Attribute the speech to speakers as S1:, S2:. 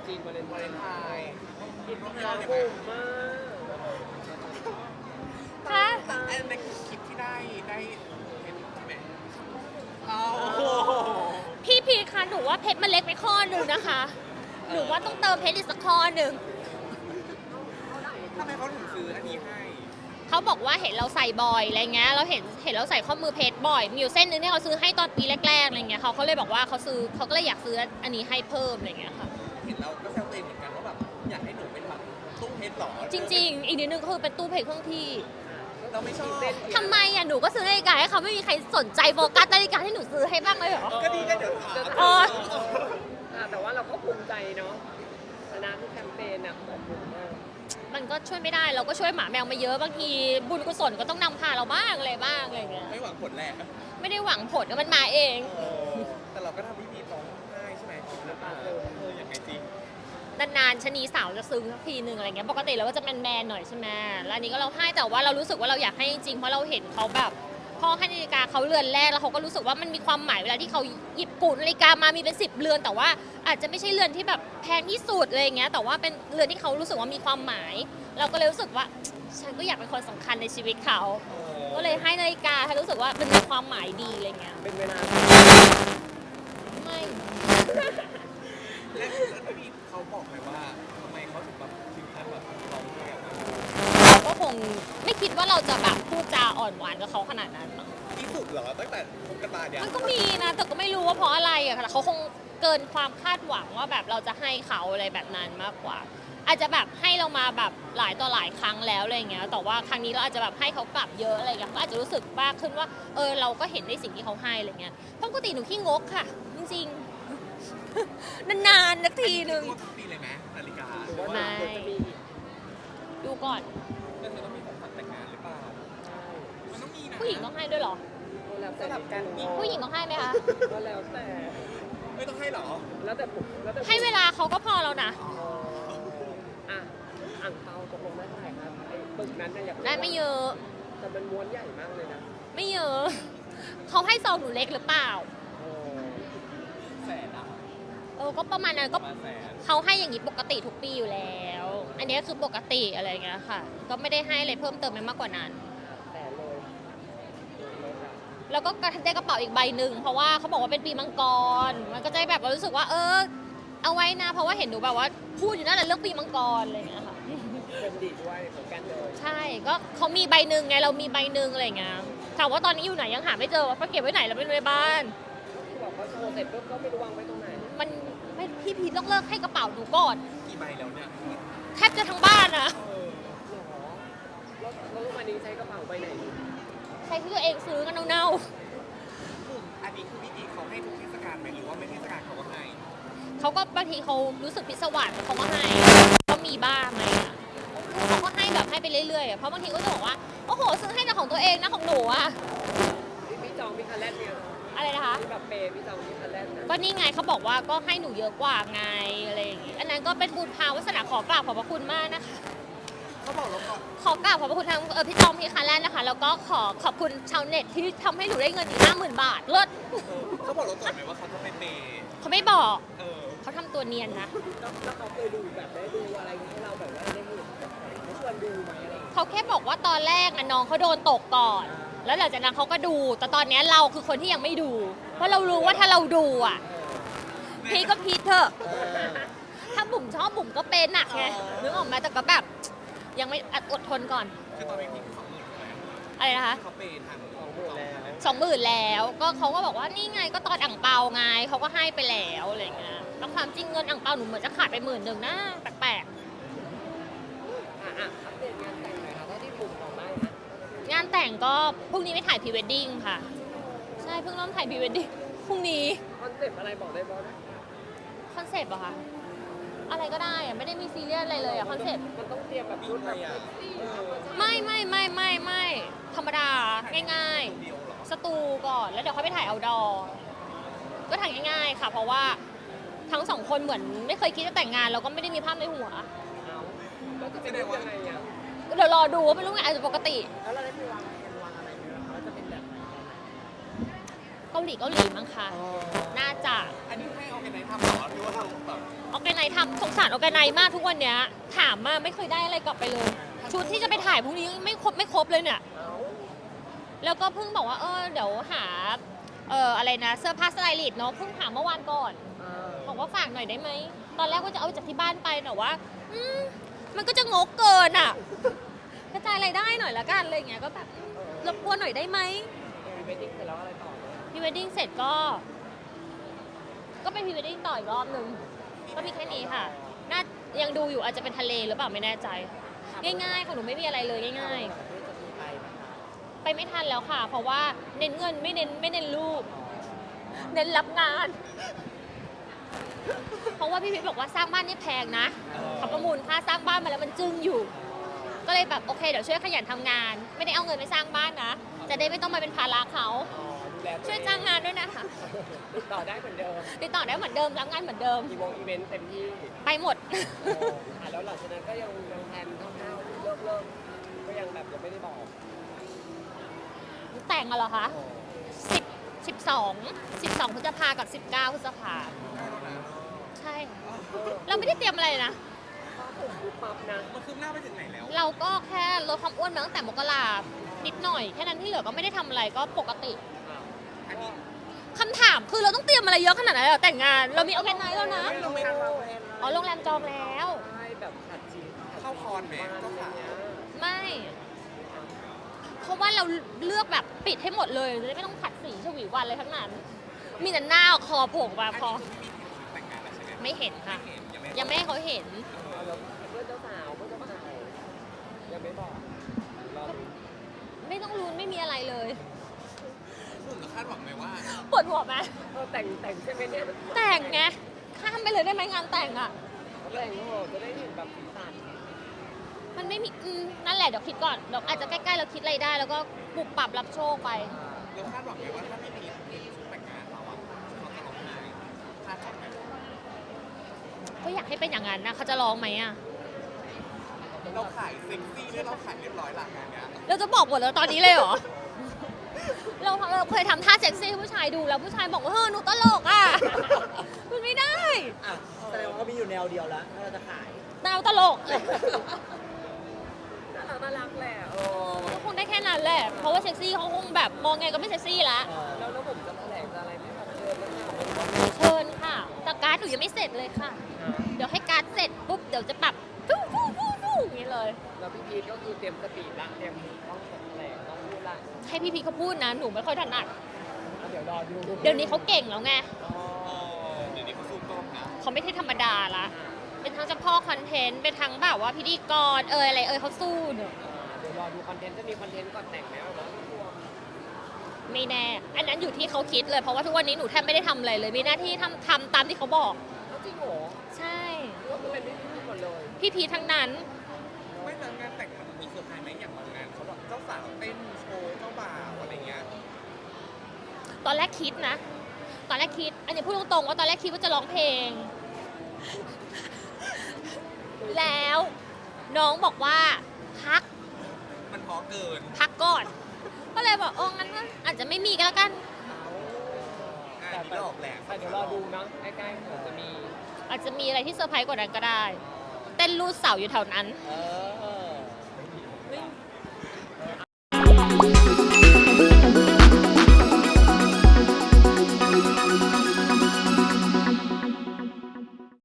S1: จีนวาเลนไทน์
S2: อิน
S1: เรา
S2: เรา
S1: บูมมาก
S3: ค่ะ
S2: ไอ้ในคลิปที่ได้เห็นใช่ไหมโอ้โห
S3: พี่พีคะหนูว่าเพชรมันเล็กไปข้อหนึ่งนะคะ หนูว่าต้องเติมเพชรอีกสักข้อหนึ่ง
S2: ทำไมเขาถึงซื้ออันนี้ให้
S3: เขาบอกว่าเห็นเราใส่บ่อยอะไรเงี้ยเราเห็นเราใส่ข้อมือเพชรบ่อยมีอยู่เส้นหนึงที่เขาซื้อให้ตอนปีแรกๆอะไรเงี้ยเขาเลยบอกว่าเขาก็เลยอยากซื้ออันนี้ให้เพิ่มอะไรเงี้ยค่ะ
S2: เห็นเราก็แซวตัวเองเหมือนกันว่าแบบอยากให้หนูเป็นแบบตู้เพชรหรอ
S3: จริงๆ อีกนิดนึงก็คือเป็นตู้เพชรเครื่องที่
S2: เราไม่ชอบ
S3: ทำไมอ่ะหนูก็ซื้อนาฬิกาให้เขาไม่มีใครสนใจโฟกัสนาฬิกาที่หนูซื้อให้บ้างเลยเหรอ
S2: ก็ดีก็เดี๋ยวถาม
S3: เออ
S1: แต่ว่าเราก็ภูมิใจเนาะชนะทุกแคมเปญอ่ะขอบคุณมาก
S3: มันก็ช่วยไม่ได้เราก็ช่วยหมาแมวมาเยอะบางทีบุญกุศลก็ต้องนำพาเราบ้างอะไรบ้างอะไรเงี้ย
S2: ไม่หวังผลแหละ
S3: ไม่ได้หวังผลมันมาเอง
S2: แต่เราก็ทำพิธีร้องไห้ใช่ไหมน้ำตายังไงจริง
S3: นานๆชะนีสาวจะซึ้งสักทีหนึ่งอะไรเงี้ยปกติเราก็จะแมนๆหน่อยใช่ไหมแล้วอันนี้ก็เราให้แต่ว่าเรารู้สึกว่าเราอยากให้จริงๆเพราะเราเห็นเขาแบบพ่อให้นาฬิกาเขาเรือนแรกแล้วเขาก็รู้สึกว่ามันมีความหมายเวลาที่เขาหยิบกุนาฬิกามามีเป็น10 เรือนแต่ว่าอาจจะไม่ใช่เรือนที่แบบแพงที่สุดอะไรเงี้ยแต่ว่าเป็นเรือนที่เขารู้สึกว่ามีความหมาย เราก็เลยรู้สึกว่าฉันก็อยากเป็นคนสำคัญในชีวิตเขาก็เลยให้นาฬิกาให้รู้สึกว่ามันมีความหมายดีอะไรเงี้ย
S1: เป็นเวลา
S3: ไม่
S2: และพี่เขาบอกไหมว่าทำไมเขาถึงแบบถึงขั้นแบบร้องไห้ออกมา
S3: เราก็คงไม่คิดว่าเราจะแบบพูดจาอ่อนหวานกับเขาขนาดนั้นมั้ง
S2: ที่สุดเหรอตั้งแต่คบกันมาเนี่ย
S3: มันก็มีนะแต่ก็ไม่รู้ว่าเพราะอะไรอะค่ะเขาคงเกินความคาดหวังว่าแบบเราจะให้เขาอะไรแบบนั้นมากกว่า อาจจะแบบให้เรามาแบบหลายต่อหลายครั้งแล้วอะไรเงี้ยแต่ว่าครั้งนี้เราอาจจะแบบให้เขากลับเยอะอะไรเงี้ยก็อาจจะรู้สึกมากขึ้นว่าเราก็เห็นในสิ่งที่เขาให้อะไรเงี้ยเพราะปกติหนูขี้งกค่ะ จริงๆ นานๆนักทีนึง
S2: ทุกปีเลยไหมนาฬิกา
S1: หรือว่าเราควรจะมีอีก
S3: ดูก่อน
S2: แล้วเธอต้องมีของขวัญแต่งงานหรือเปล่า มันต้องมีนะ
S3: ผู้หญิงต้องให้ด้วยเหรอ
S1: แล้วแต่
S2: สลับกัน
S3: ผู้หญิงต้องให้ไหมคะ
S1: ก็แล้วแต่
S2: ไม่ต้องให้หรอ
S1: แล้วแต่ผมแล้วแต่
S3: ให้เวลาเขาก็พอแล้วนะ
S1: อ่ะอ่างเปาตกลงได้เท่าไหร่ครับไอ้ปึกนั้นเนี่ยอยากรู้
S3: ได้ไม่เยอะ
S1: แต่มันม้วนใหญ่มากเลยนะ
S3: ไม่เยอะเขาให้ซองหนูเล็กหรือเปล่า
S1: เออ
S2: แสนอะ
S3: ก็ประมาณนั้น
S2: ป
S3: ก็
S2: ระมาณแสน
S3: เขาให้อย่างนี้ปกติทุกปีอยู่แล้ว อันนี้คือปกติอะไรอย่างเงี้ยค่ะ ก็ไม่ได้ให้อะไรเพิ่มเติมไปมากกว่านั้น
S1: แต่เลย
S3: แล้วก็ได้กระเป๋าอีกใบหนึ่งเพราะว่าเขาบอกว่าเป็นปีมังกร มันก็จะแบบว่ารู้สึกว่าเอาไว้นะ เพราะว่าเห็นหนูแบบว่าพูดอยู่นั่นแหละเรื่องปีมังกรอะไรอย่างเงี้ยค่ะ
S1: เป็นดีด้วยเหมือนกันเลย
S3: ใช่ ก็เขามีใบหนึ่งไง เรามีใบหนึ่งอะไรอย่างเงี้ย ถามว่าตอนนี้อยู่ไหนยังหาไม่เจอว่าเขาเก็บไว้ไหนเราไม่รู้ในบ้าน
S1: ที่บอกว่าโชว์เสร็จปุ๊บก็ไม่รู้วางไว้ตรงไหน
S3: มันไม่พี่พีต้องเลิกให้กระเป๋าหนูก่อน
S2: กี่ใบแล้วเนี่ย
S3: แทบจะทั้งบ้านอะ
S1: หรอแล้วลูกวันนี้ใช้กระเป๋าใบไหน
S3: ใช้ที่ตัวเองซื้อกันเน่า
S2: อันนี้คือพี่ตีเขาให้ทุกเทศกาลไหมหรือว่าไม่เทศกาลเขาก็ให้
S3: ๆเขาก็บางทีเขารู้สึกพิศวาสเขาก็ให้ ก็มีบ้างอะไรอะเขาก็ให้แบบให้ไปเรื่อยๆอะเพราะบางทีก็จะบอกว่า โอ้โห ซื้อให้แต่ของตัวเองนะของหนูอะ
S1: พี่จองพี่คันแรกเนี่ย
S3: อะไรนะคะ
S1: พี่แบบเปย์พี่จองพี่คันแรกนะ
S3: ก็นี่ไงเขาบอกว่าก็ให้หนูเยอะกว่าไงอะไรอย่างงี้ อันนั้นก็เป็นบุญพาวาสนาขอกราบขอบพระคุณมากนะคะ
S2: เขาบอกแล้วก่อน
S3: ขอกราบขอบพระคุณทางพี่จอมพี่คาแลนด์นะคะ แล้วก็ขอบคุณชาวเน็ตที่ทำให้หนูได้เงินอีก50,000 บาทเลิศ
S2: เขาบอกเราก่อนไหมว่าเขาจะไปเปย์
S3: เขาไม่บอก
S2: เออ
S3: เขาทำตัวเนียนนะ
S1: แล้วเขาเคยดูแบบได้ดูอะไรอย่างนี้ให้เราแบบว่าได้ดูเขาชวนดูไหมอะไรอย่างเงี้ย
S3: เขาแค่บอกว่าตอนแรกนะน้องเขาโดนตกก่อน แล้วหลังจากนั้นเขาก็ดู แต่ตอนนี้เราคือคนที่ยังไม่ดู เพราะเรารู้ว่าถ้าเราดูอ่ะพีก็พีเถอะ ถ้าบุ๋มชอบบุ๋มก็เป็นหนักไงนึกออกไหมแต่ก็แบบยังไม่อดทนก่อน
S2: คือตอนนี้พี่คือ20,000แล้ว
S3: อะไรนะคะ
S2: เขาเปย์ทาง
S1: 20,000แล้ว
S3: 20,000 แล้วก็เขาก็บอกว่านี่ไงก็ตอนอ่างเปาไงเขาก็ให้ไปแล้วอะไรเงี้ยแล้วความจริงเงินอ่างเปาหนูเหมือนจะขาดไป10,000นะแปลก
S1: อัปเดตงานแต่งหน่อยค่ะเท่าที่ปุ่มบอกได้นะ
S3: ๆงานแต่งก็พรุ่งนี้ไปถ่ายพรีเวดดิ้งค่ะ ใช่เพิ่งเริ่มถ่ายพรีเวดดิ้งพรุ่งนี้
S1: คอนเซ็ปต์อะไรบอกได้บอส
S3: คอนเซปต์เหรอคะอะไรก็ได้อะไม่ได้มีซีเรียสอะไรเลยอะคอนเซปต์
S1: มันต้องเตรียมแบบชุดแบบเซ็กซี่
S3: ไม่ธรรมดาง่าย
S2: เดียวเหรอ
S3: ๆ สตูก่อนแล้วเดี๋ยวเขาไปถ่ายเอาดอก็ถ่ายง่ายๆค่ะ เพราะว่าทั้งสองคนเหมือนไม่เคยคิดจะแต่งงานแล้วก็ไม่ได้มีภาพในหัว
S1: เอาแล้วจะเป็นยังไงอ่ะ
S3: เดี๋ยวรอดูว่าเป็นรูปไงอาจจะปกติ
S1: แล้วเราได้ไปวางอะไรไหมคะว่าจะเป็นแบบไหน
S3: เกาหลีมั้งคะน่าจะ
S2: อันนี้ให้เอาไปไหนทำเหรอหรือว่าเราแบบ
S3: ออร์แกไนซ์ทำสงสารออร์แกไนซ์มากทุกวันเนี้ยถามมาไม่เคยได้อะไรกลับไปเลย ชุดที่จะไปถ่ายพรุ่งนี้ไม่ครบเลยเนี่ย
S1: เอา
S3: แล้วก็เพิ่งบอกว่าเดี๋ยวหาอะไรนะเสื้อผ้าสไตลิสต์เนาะเพิ่งหาเมื่อวานก่อน บอกว่าฝากหน่อยได้ไหม ตอนแรกว่าจะเอาจากที่บ้านไปแต่ว่ามันก็จะงกเกินอ่ะ กระจายรายได้หน่อยละกันอะไรอย่างเงี้ยก็แบบรบกวนหน่อยได้ไหม
S1: พรีเวดดิ้งเสร็จแล้วอะไรต่อเนี่ย
S3: พรีเวดดิ้งเสร็จก็เป็นพรีเวดดิ้งต่ออีกรอบนึงก็มีแค่นี้ค่ะน่ายังดูอยู่อาจจะเป็นทะเลหรือเปล่าไม่แน่ใจ ง่ายๆของหนูไม่มีอะไรเลยง่าย
S1: เพื่อจะมีไปไหมคะ
S3: ๆ ไปไม่ทันแล้วค่ะ เพราะว่าเน้นเงินไม่เน้นรูป เน้นรับงาน เพราะว่าพี่พิทบอกว่าสร้างบ้านนี่แพงนะเขาประมูลค่าสร้างบ้านมาแล้วมันจึ้งอยู่ ก็เลยแบบโอเคเดี๋ยวช่วยขยันทำงาน ไม่ได้เอาเงินไปสร้างบ้านนะ จะได้ไม่ต้องมาเป็นภาระเขา
S1: ดูแล
S3: ช่วยจ้างงานด้วยนะคะ
S1: ติดต่อได้เหมือนเดิม
S3: ติดต่อได้เหมือนเดิมรับงานเหมือนเดิม
S1: อีเวนต์เต็มที่
S3: ไปหมด
S1: แล้วหลังจากนั้นก็ยังแพลนคร่าวๆเลิกก็ยังแบบยังไม่ได้บอก
S3: แต่งอะเหรอคะ12 พฤษภากับ 19 พฤษภาใช่เราไม่ได้เตรียมอะไรเลยนะ
S1: ก็ผมปุ๊บปั๊บนะ
S2: มันคืบหน้าไปถึงไหนแล้ว
S3: เราก็แค่ลดความอ้วนมาตั้งแต่มกรานิดหน่อย แค่นั้นที่เหลือก็ไม่ได้ทำอะไรก็ปกติ
S2: อันนี้
S3: คำถามคือเราต้องเตรียมอะไรเยอะขนาดนั้นเลยเหรอแต่งงาน เรามีออร์แกไนซ์แล้วนะ
S2: ไม่เราไม่
S3: อ๋อโรงแรมจองแล้ว
S1: ใช่แบบขัดจีน
S2: เข้าคอนแหมเจ้าสาว
S3: ไม่ เพราะว่าเราเลือกแบบปิดให้หมดเลยจะได้ไม่ต้องขัดสีฉวีวันเลยทั้งนั้น มีแต่หน้าคอโผล่มาพอ
S2: แต่งงานแล้วใช่ไหม
S3: ไม่เห็นค่ะ
S2: เห็นยังไม่
S3: ยังไม่ให้เขาเห็น
S1: แล้วเพื่อนเจ้าสาวเพื่อนเจ้าบ่าวยังไม่บอกรอดู
S3: ไม่ต้องลุ้นไม่มีอะไรเลย
S2: คุณก็คาดหวังไหมว่า
S3: ปวดหัวไหม
S1: แต่งใช่ไหมเนี่ย
S3: แต่งไง ข้ามไปเลยได้ไหมงานแต่งอ่ะ
S1: แต่งโหจะได้เห็นแบบสีสัน
S3: มันไม่มีนั่นแหละเดี๋ยวคิดก่อนเดี๋ยวอาจจะใกล้ๆเราคิดอะไรได้ แล้วก็ปรับรับโชคไป
S2: เราคาดหวังไหมว่าถ้าไม่มีชุดแต่งงานเราอะเขาจะร้องไห้คาดหวังไหม
S3: ก็อยากให้เป็นอย่างนั้นนะเขาจะร้องไหมอ่ะ
S2: เราขายเซ็กซี่ด้วยเราขายเรียบร้อยหลังงานเนี้ย
S3: เราจะบอกหมดแล้วตอนนี้เลยเหรอ เราเคยทำท่าเซ็กซี่ให้ผู้ชายดูแล้วผู้ชายบอกว่าเฮ้ยหนูตลกอ่ะ มันไม่ได้
S4: อ่ะแสดงว่าก็มีอยู่แนวเดียวแล้วถ้าเราจะขาย
S3: ดาวตลก
S1: น่ารักแหละ
S3: ก็คงได้แค่นั้นแหละ เพราะว่าเซ็กซี่เขาคงแบบมองไงก็ไม่เซ็กซี่ละ
S1: แล้วผมจะแถลงจะอะไรไม่แบบเชิญแล้ว
S3: เชิญค่ะแต่การ์ดหนูยังไม่เสร็จเลยค่ะ เดี๋ยวให้การ์ดเสร็จปุ๊บเดี๋ยวจะปรับฟูอย่างนี้เลย
S1: แล้วพี่พีทก็คือเตรียมสปีดละเตรียมต้องแถลงต้องพูดละ
S3: ให้พี่พีเขาพูดนะ หนูไม่ค่อยถนัด
S1: เดี๋ยวรอดู
S3: เดี๋ยวนี้เขาเก่งแล้วไง
S2: เดี๋ยวนี้เขาสู้กล้องนะ
S3: เขาไม่ใช่ธรรมดาละ เป็นทั้งเจ้าพ่อคอนเทนต์ เป็นทั้งแบบว่าพิธีกรอะไรเขาสู้เนอะ
S1: เดี๋ยวรอดูคอนเทนต์จะมีคอนเทนต์ก่อนแต่งไหมวะ
S3: ไม่แน่ อันนั้นอยู่ที่เขาคิดเลย เพราะว่าทุกวันนี้หนูแทบไม่ได้ทำอะไรเลย มีหน้าที่ทำตามที่เขาบอก
S1: จริงเหรอ
S3: ใช่
S1: ก็คือเป็นพี่พีทหมดเลย
S3: พี่พีทั้งนั้น
S2: ไม่แต่งานแต่งมันมีเซอร์ไพรส์ไหมอย่างบางงานเขาแบบเจ้าสาวเต้นโชว์เจ้าบ่าวอะไรเงี้ย
S3: ตอนแรกคิดนะ ตอนแรกคิด อันนี้พูดตรงๆว่าตอนแรกคิดว่าจะร้องเพลง แล้วน้องบอกว่าพัก
S2: มันพอเกิน
S3: พักก่อน ก็เลยบอกงั้นก็อาจจะไม่มีก็แล้วกัน
S2: อันนี้ก็ออกแหลก
S1: แต่เดี๋ยวรอดูเนาะใกล้ๆเดี๋ยวจะมี
S3: อาจจะมีอะไรที่เซอร์ไพรส์กว่านั้นก็ได้ เต้นรูดเสาอยู่แถวนั้น
S1: เออ